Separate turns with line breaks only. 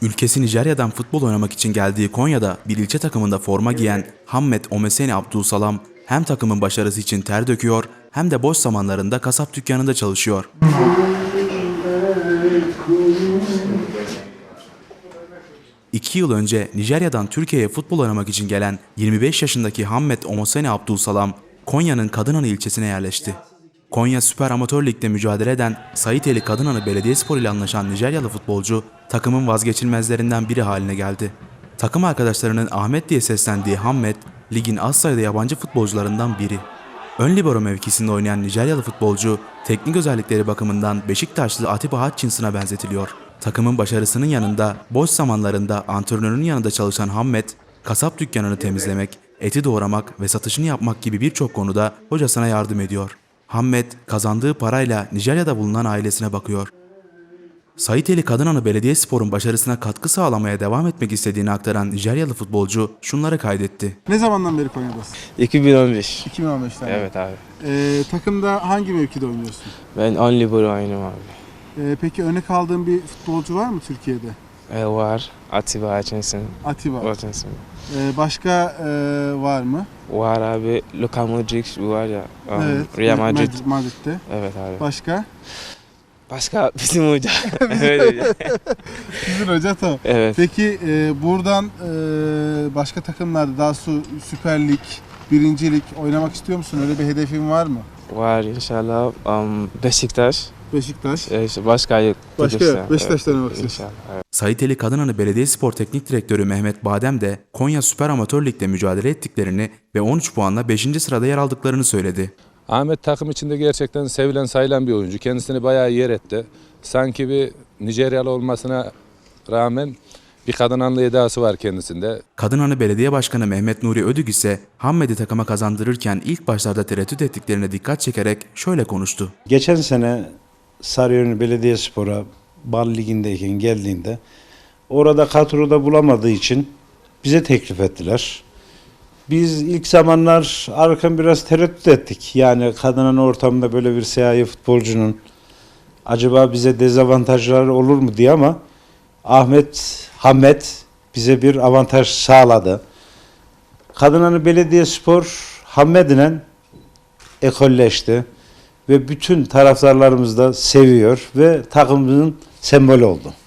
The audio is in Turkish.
Ülkesi Nijerya'dan futbol oynamak için geldiği Konya'da bir ilçe takımında forma giyen Hammet Omeseni Abdulsalam hem takımın başarısı için ter döküyor hem de boş zamanlarında kasap dükkanında çalışıyor. 2 yıl önce Nijerya'dan Türkiye'ye futbol oynamak için gelen 25 yaşındaki Hammet Omeseni Abdulsalam, Konya'nın Kadınanı ilçesine yerleşti. Konya Süper Amatör Lig'de mücadele eden Saiteli Kadınanı Belediyespor ile anlaşan Nijeryalı futbolcu takımın vazgeçilmezlerinden biri haline geldi. Takım arkadaşlarının Ahmet diye seslendiği Hammet, ligin az sayıda yabancı futbolcularından biri. Ön libero mevkisinde oynayan Nijeryalı futbolcu, teknik özellikleri bakımından Beşiktaşlı Atiba Hutchinson'a benzetiliyor. Takımın başarısının yanında, boş zamanlarında antrenörün yanında çalışan Hammet, kasap dükkanını temizlemek, eti doğramak ve satışını yapmak gibi birçok konuda hocasına yardım ediyor. Hammet, kazandığı parayla Nijerya'da bulunan ailesine bakıyor. Saiteli Kadınanı Belediyespor'un başarısına katkı sağlamaya devam etmek istediğini aktaran Nijeryalı futbolcu şunları kaydetti.
Ne zamandan beri Konya'dasın?
2015.
2015'ten beri.
Evet abi.
Takımda hangi mevkide oynuyorsun?
Ben on libero oynuyorum abi.
Peki örnek aldığın bir futbolcu var mı Türkiye'de?
Var. Atiba Hutchinson.
Atiba.
Hutchinson.
Başka var mı?
Var abi. Luka Modric var ya.
Evet.
Real Madrid.
Madrid'de.
Evet abi.
Başka?
Başka bizim hoca. Evet hoca.
Sizin hoca tamam.
Evet.
Peki buradan başka takımlarda daha Süper Lig, 1. Lig oynamak istiyor musun? Öyle bir hedefin var mı?
Var inşallah. Beşiktaş.
Beşiktaş.
Başka yok.
Beşiktaş'tan oynamak istiyorsun.
İnşallah. Evet.
Saiteli Kadınanı Belediyespor Teknik Direktörü Mehmet Badem de Konya Süper Amatör Lig'de mücadele ettiklerini ve 13 puanla 5. sırada yer aldıklarını söyledi.
Ahmet takım içinde gerçekten sevilen sayılan bir oyuncu. Kendisini bayağı yer etti. Sanki bir Nijeryalı olmasına rağmen bir Kadınanlı edası var kendisinde.
Kadınanı Belediye Başkanı Mehmet Nuri Ödük ise Hammet'i takıma kazandırırken ilk başlarda tereddüt ettiklerine dikkat çekerek şöyle konuştu.
Geçen sene Sarıyer Belediyespor'a Bal Ligi'ndeyken geldiğinde orada kadroda bulamadığı için bize teklif ettiler. Biz ilk zamanlar arkan biraz tereddüt ettik. Yani Kadınanı ortamında böyle bir siyahi futbolcunun acaba bize dezavantajları olur mu diye ama Hammet bize bir avantaj sağladı. Kadınanı Belediyespor Hammet'le ekolleşti ve bütün taraftarlarımız da seviyor ve takımımızın sembolü oldu.